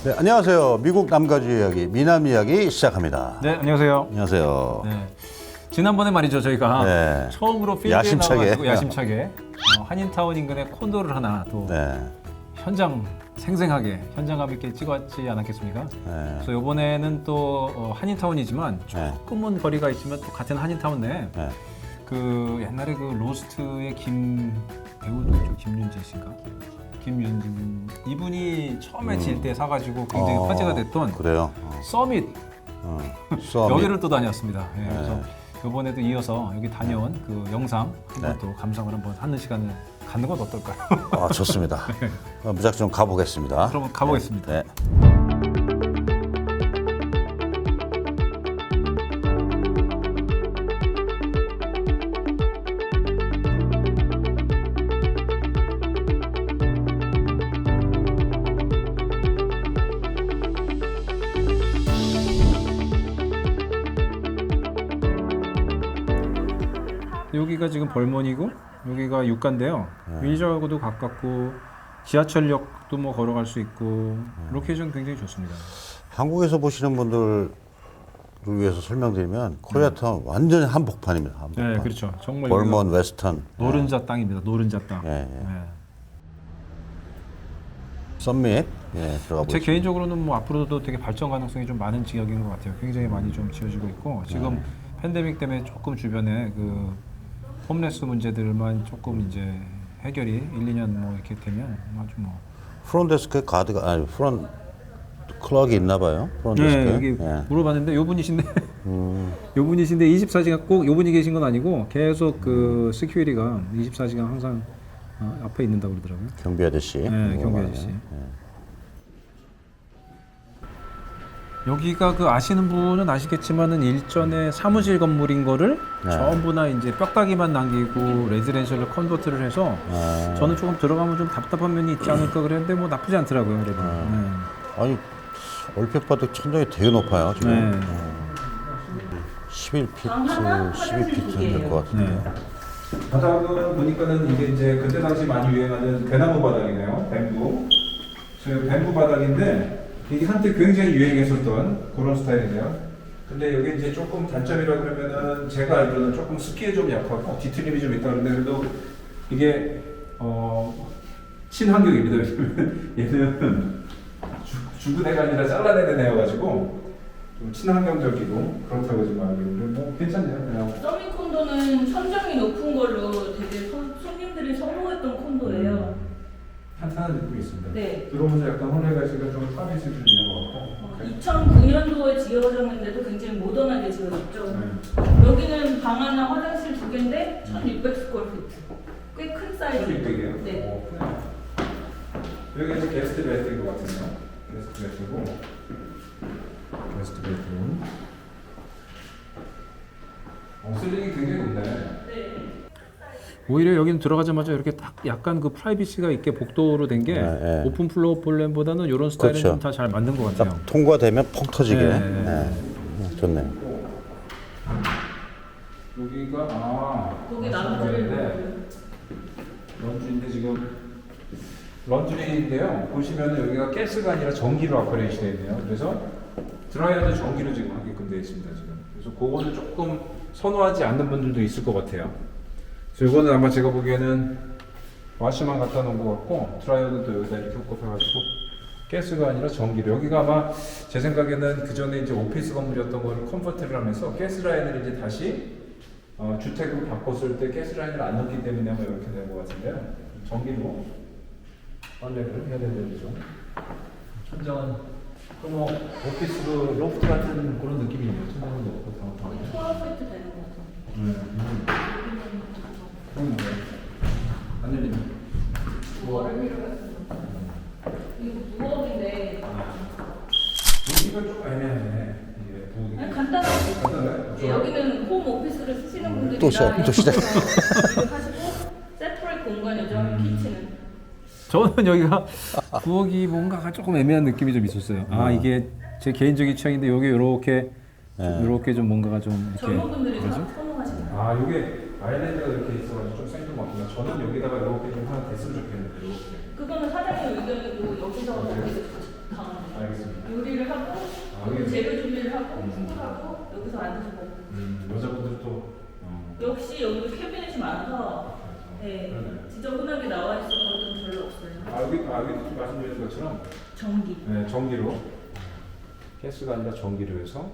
네, 안녕하세요. 미국 남가주 이야기, 미남 이야기 시작합니다. 네, 안녕하세요. 안녕하세요. 네. 지난번에 말이죠, 저희가 네. 처음으로 필드에 야심차게. 나와가지고 야심차게 한인타운 인근의 콘도를 하나 또 네. 현장 생생하게 현장감 있게 찍었지 않았겠습니까? 네. 그래서 이번에는 또 한인타운이지만 네. 조금은 거리가 있지만 또 같은 한인타운 내에 네. 그 옛날에 그 로스트의 김 배우도 있죠, 김윤재 씨인가? 김윤진 이분이 처음에 질 때 사가지고 굉장히 화제가 됐던 그래요. 서밋 수업. 여기를 또 다녔습니다. 예, 네. 그래서 이번에도 이어서 여기 다녀온 그 영상 한번 네. 또 감상을 한번 하는 시간을 갖는 건 어떨까요? 아, 좋습니다. 무작정 가보겠습니다. 그럼 가보겠습니다. 네. 여기가 지금 벌몬이고 여기가 육가인데요. 윈저하고도 가깝고 지하철역도 뭐 걸어갈 수 있고 로케이션 굉장히 좋습니다. 한국에서 보시는 분들을 위해서 설명드리면 코리아타운 완전히 한복판입니다. 한복판. 네, 그렇죠. 정말 벌몬 여기가 웨스턴. 노른자 땅입니다. 노른자 땅. 예, 예. 네. 썸밋. 예, 들어가 제 보시죠. 개인적으로는 뭐 앞으로도 되게 발전 가능성이 좀 많은 지역인 것 같아요. 굉장히 많이 좀 지어지고 있고 지금 팬데믹 때문에 조금 주변에 그 홈레스 문제들만 조금 이제 해결이 1, 2년 뭐 이렇게 되면 아주 뭐 프론데스크에 가드가 아니 프론 클럭이 있나 봐요. 프론데스크에. 네, 여기 물어봤는데 요 분이신데 요 분이신데 24시간 꼭 요 분이 계신 건 아니고 계속 그 시큐리티가 24시간 항상 앞에 있는다고 그러더라고요. 경비 아저씨. 네, 경비 아저씨. 예. 여기가 그 아시는 분은 아시겠지만은 일전에 사무실 건물인 거를 전부나 이제 뼈다귀만 남기고 레지덴셜로 컨버트를 해서 저는 조금 들어가면 좀 답답한 면이 있지 않을까 그랬는데 뭐 나쁘지 않더라고요. 그래도. 네. 아니 얼핏 봐도 천장이 되게 높아요 지금. 네. 11피트, 12피트 될 것 같은데. 네. 바닥은 보니까는 이게 이제 그때 당시 많이 유행하는 대나무 바닥이네요. 뱀부. 저 뱀부 바닥인데 이게 한때 굉장히 유행했었던 그런 스타일이네요. 근데 여기 이제 조금 단점이라 그러면은 제가 알기로는 조금 습기에 좀 약하고 뒤틀림이 좀 있다 그러는데 그래도 이게 친환경입니다. 얘는 죽은 애가 아니라 잘라내는 애여가지고 좀 친환경적이고 그렇다고 지금 알고 있는데 뭐 괜찮네요. 그냥. 서밋 콘도는 천정이 높은 걸로 되게 손님들이 선호했던 콘도예요. 탄탄한 느낌이 있습니다. 네. 들어오면서 약간 홀레가시가 좀 서비스 좀 있는 것 같고. 2009년도에 지어졌는데도 굉장히 모던하게 지어졌죠. 네. 여기는 방 하나, 화장실 2개인데 1600스퀘어피트. 꽤 큰 사이즈. 1600이에요? 네. 여기 이제 게스트 베드인 것 같은데요. 게스트 베드고. 게스트 베드룸. 슬링이 굉장히 높네. 네. 오히려 여기는 들어가자마자 이렇게 딱 약간 그 프라이빗이가 있게 복도로 된 게 네. 오픈 플로어 플랜보다는 이런 스타일은 그렇죠. 좀 다 잘 맞는 것 같아요. 딱 통과되면 펑 터지게. 네. 네. 좋네요. 여기가 거기 런쥔인데 런쥔인데 지금 런쥔인데요. 보시면 여기가 가스가 아니라 전기로 아퍼레이션 되어 있네요. 그래서 드라이어도 전기로 지금 하게끔 되어 있습니다. 지금. 그래서 그거는 조금 선호하지 않는 분들도 있을 것 같아요. 그래서 이거는 아마 제가 보기에는 와시만 갖다 놓은 것 같고 드라이어도 또 여기다 이렇게 꽂아가지고 가스가 아니라 전기로. 여기가 아마 제 생각에는 그 전에 이제 오피스 건물이었던 거를 컨버트를 하면서 가스 라인을 이제 다시 주택으로 바꿨을 때 가스 라인을 안 넣기 때문에 아마 이렇게 된 것 같은데요. 전기로 빨래를 해야 되죠. 천장은 뭐 오피스 그 로프트 같은 그런 느낌이네요. 천장은 높고 거기 소아파이트 되는 것 같아요. 그럼 뭐예요? 안 열리네. 이거 무업인데 여기가 좀 애매하네. 이게 부엌이. 아니, 간단하게 간단해요? 네, 여기는 홈 오피스를 쓰시는 분들이 또 시작. 하시고 세퍼레이트 공간이죠. 키친은. 저는 여기가 부엌이 뭔가가 조금 애매한 느낌이 좀 있었어요. 아 이게 제 개인적인 취향인데 여기 이렇게 이렇게 좀 뭔가가 좀 이렇게 젊은 분들이 뭐죠? 선호하시는 아 이게 아일랜드가 이렇게 있어가지고 좀 생뚱맞구나. 저는 여기다가 이렇게 좀 하나 됐으면 좋겠는데 이렇게. 그거는 사장님 의견이고 여기서 거기서 가운데. 알겠습니다. 요리를 하고 여기. 재료 준비를 하고 후보하고 여기서 앉아서 먹고. 여자분들 또 역시 여기도 캐비넷이 많아서 네, 그러네. 지저분하게 나와 있을 것은 별로 없어요. 여기 말씀드린 것처럼 전기. 네, 전기로 가스가 아니라 전기로 해서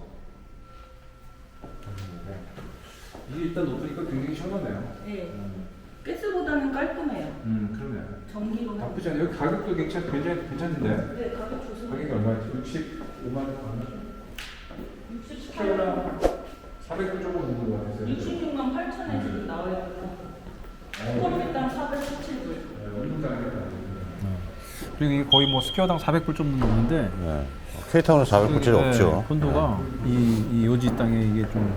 이게 일단 높으니까 굉장히 시원하네요. 네. 가스보다는 깔끔해요. 그러네. 전기로. 나쁘지 않아요. 여기 가격도 굉장히 괜찮은데. 네, 가격 좋습니다. 가격이 얼마였지? 65만 원 얼마? 68만 400원 조금 넘는 것 같아요. 66만 8천에 지금 나와 있고요. 스쿼트당 417불. 그리고 이게 거의 뭐 스퀘어당 400불 좀 넘는데 네. K타운은 400불짜리 없죠. 콘도가 이 요지 땅에 이게 좀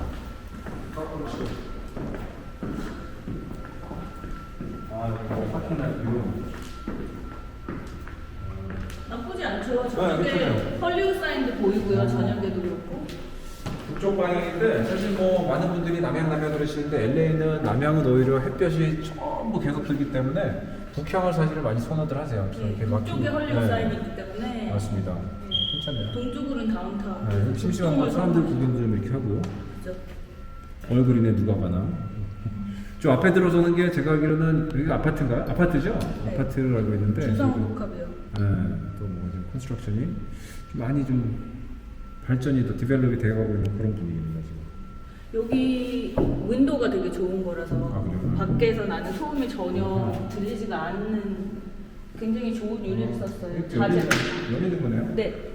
나쁘지 않죠. 네, 저녁에 괜찮아요. 헐리우드 사인도 보이고요. 저녁에도 그렇고. 북쪽 방향인데 사실 뭐 많은 분들이 남양 그러시는데 LA는 남양은 오히려 햇볕이 전부 계속 들기 때문에 북향을 사실은 많이 선호들 하세요. 그래서 네, 이렇게 막 북쪽에 헐리우드 네. 사인이 있기 때문에. 맞습니다. 네. 괜찮네요. 동쪽으로는 다운타운. 네, 심심한 거 사람들 구경 좀 이렇게 하고 그죠. 얼굴이네 누가 봐나. 저 앞에 들어서는 게 제가 알기로는 여기가 아파트인가요? 아파트죠? 네. 아파트를 알고 있는데 주상복합이요. 네, 또뭐 지금 컨스트럭션이 좀 많이 좀 발전이 더 디벨롭이 되어가고 있는 그런 분위기입니다 지금. 여기 윈도우가 되게 좋은 거라서 아, 그래요? 밖에서 나는 소음이 전혀 들리지가 않는 굉장히 좋은 유리를 썼어요. 여기 자재로. 열리는 거네요? 네.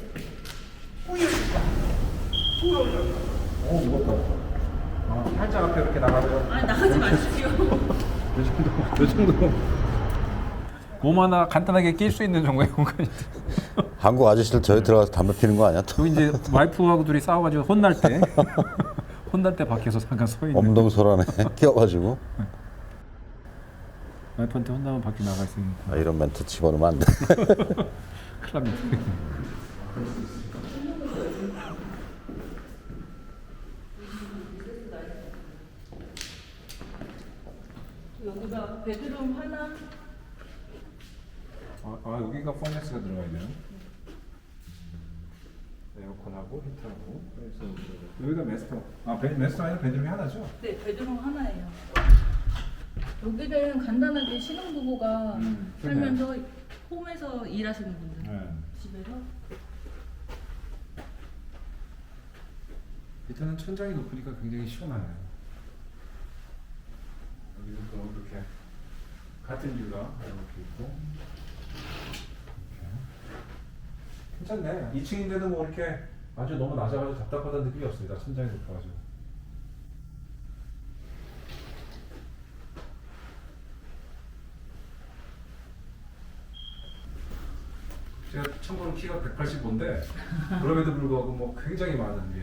오 무겁다. 살짝 앞에 이렇게 나가면 아니 나가지 마십시오. 요 정도 몸 하나 간단하게 낄 수 있는 정도의 공간이. 한국 아저씨들 저기 들어가서 담배 피는 거 아니야? 또 또 이제 와이프하고 둘이 싸워가지고 혼날 때 밖에서 잠깐 서 있는. 엄동설안에 끼어가지고 와이프한테 혼나면 밖에 나가 있으니까 아, 이런 멘트 집어넣으면 안 돼. 큰일 납니다. 여기가 베드룸 하나. 여기가 퍼넥스가 들어가 있네요. 에어컨하고 히터하고. 그래서 여기가 메스터. 메스터 아니라 베드룸이 하나죠? 네, 베드룸 하나예요. 여기는 간단하게 신혼부부가 그러네요. 살면서 홈에서 일하시는 분들 네. 집에서. 일단은 천장이 높으니까 굉장히 시원하네요. 여기는 또 이렇게 같은 뷰가 이렇게 있고. 이렇게. 괜찮네. 2층인데도 뭐 이렇게 아주 너무 낮아가지고 답답하다는 느낌이 없습니다. 천장이 높아가지고. 제가 참고로 키가 185인데 그럼에도 불구하고 뭐 굉장히 많은 게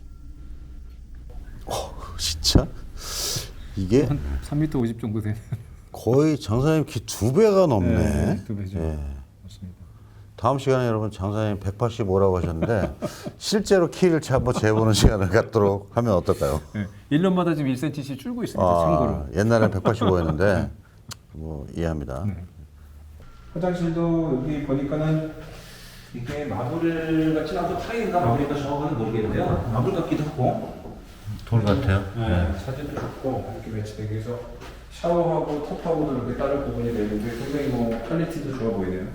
진짜? 이게 한 3m 50 정도 되는. 거의 장사님 키 2배가 넘네. 네, 두 배죠. 예. 맞습니다. 다음 시간에 여러분 장사님 185라고 하셨는데 실제로 키를 한번 재보는 시간을 갖도록 하면 어떨까요? 네, 1년마다 지금 1cm씩 줄고 있습니다. 참고로. 옛날엔 185였는데 뭐 이해합니다. 네. 화장실도 여기 보니까는 이게 마블 같진 않고 타일인가 마블인가 정확하는 모르겠는데요. 마블 같기도 하고. 돌 같아요. 네. 사진도 좋고 이렇게 매치되기 위해서 샤워하고 톱하고도 이렇게 다른 부분이 되는데 굉장히 뭐 퀄리티도 좋아 보이네요.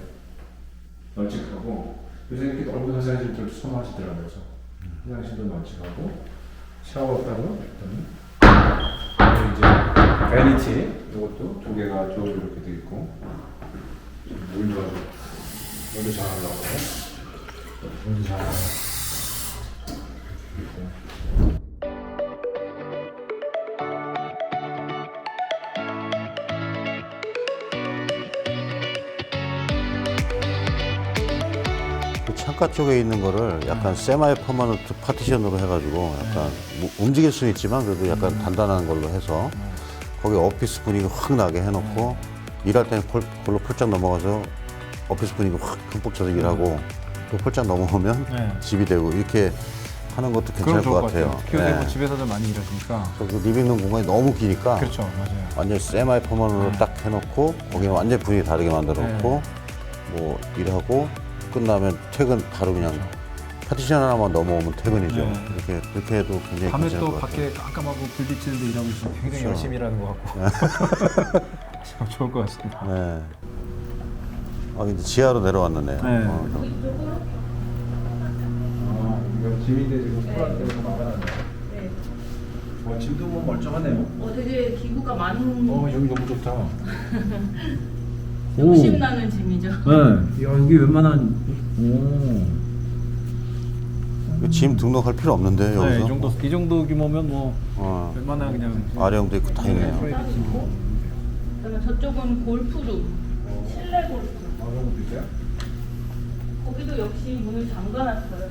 널찍하고 요새 이렇게 넓은 화장실들 선호하시더라고요. 그래서 화장실도 널찍하고 샤워 따로 그리고 이제 베니티 이것도 두 개가 쭉 이렇게 돼 있고 물도 물도 잘 나오고 물도 잘 나오고 그 창가 쪽에 있는 거를 약간 세마이 퍼머넌트 파티션으로 해가지고 약간 뭐 움직일 수는 있지만 그래도 약간 단단한 걸로 해서 거기 오피스 분위기 확 나게 해놓고 일할 때는 그걸로 폴짝 넘어가서 오피스 분위기 확 흠뻑 져서 일하고 또 폴짝 넘어오면 네. 집이 되고 이렇게 하는 것도 괜찮을 것 같아요. 키우는 네. 집에서도 많이 일하시니까. 그 리빙룸 공간이 너무 기니까 그렇죠, 맞아요. 완전 세마이 퍼머넌트로 딱 해놓고 거기는 완전 분위기 다르게 만들어 놓고 네. 뭐 일하고 끝나면 퇴근 바로 그냥 파티션 하나만 넘어오면 퇴근이죠. 네. 그렇게 해도 굉장히 밤에 괜찮을 또 것 같아요. 밖에 깜깜하고 불 비치는데 일하고 있으면 굉장히 그렇죠. 열심히 일하는 것 같고 참 좋을 것 같습니다. 네. 이제 지하로 내려왔는데. 네. 이쪽으로? 이거 짐인데 지금 네. 소라 때문에 막아놨네. 네. 짐도 뭐 멀쩡하네요. 되게 기구가 많은 여기 너무 좋다. 욕심 나는 짐이죠. 네. 여기 웬만한 짐 등록할 필요 없는데 여기서. 이 정도 규모면 뭐 어, 웬만한 그냥 아령도 있고 다 있네요. 그러면 저쪽은 골프룸, 실내 골프. 그런 것도 있어요? 거기도 역시 문을 잠가놨어요.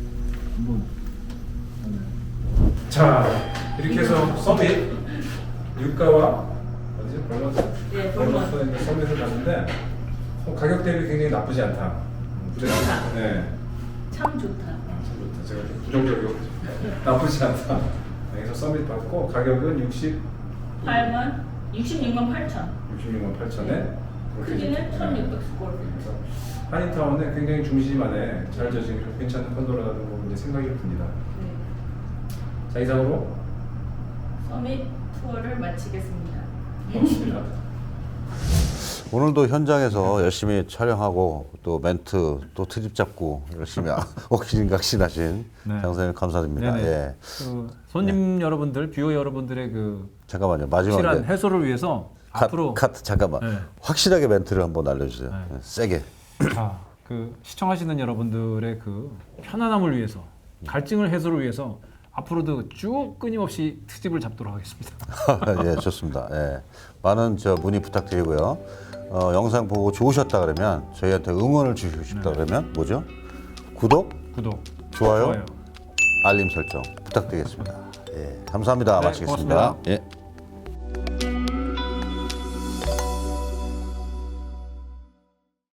자, 이렇게 해서 서밋 유가와 어디지? 벌머스? 네, 벌머스. 서밋을 갔는데 가격 대비 굉장히 나쁘지 않다. 좋다. 네. 참 좋다. 참 좋다. 제가 좀 부정적이고 나쁘지 않다. 그래서 서밋 받고 가격은 66만 8천. 66만 8천에 크기는 1600스퀘어. 한인타운에 굉장히 중심 안에 잘 져진 괜찮은 컨도라는 거 이제 생각이 듭니다. 네. 자, 이상으로 서밋 투어를 마치겠습니다. 고맙습니다. 오늘도 현장에서 열심히 촬영하고 또 멘트 또 트집 잡고 열심히 옥신각신하신 네. 장사님 감사드립니다. 네네. 예. 그 손님 여러분들, 뷰어 여러분들의 그 잠깐만요. 마지막에 확실한 해소를 위해서 앞으로 카트 잠깐만. 네. 확실하게 멘트를 한번 알려주세요. 네. 네, 세게. 그 시청하시는 여러분들의 그 편안함을 위해서 갈증을 해소를 위해서 앞으로도 쭉 끊임없이 트집을 잡도록 하겠습니다. 예, 좋습니다. 예. 많은 문의 부탁드리고요. 영상 보고 좋으셨다 그러면 저희한테 응원을 주시고 싶다 그러면 뭐죠? 구독, 좋아요, 알림 설정 부탁드리겠습니다. 예, 감사합니다. 네, 마치겠습니다. 고맙습니다. 예.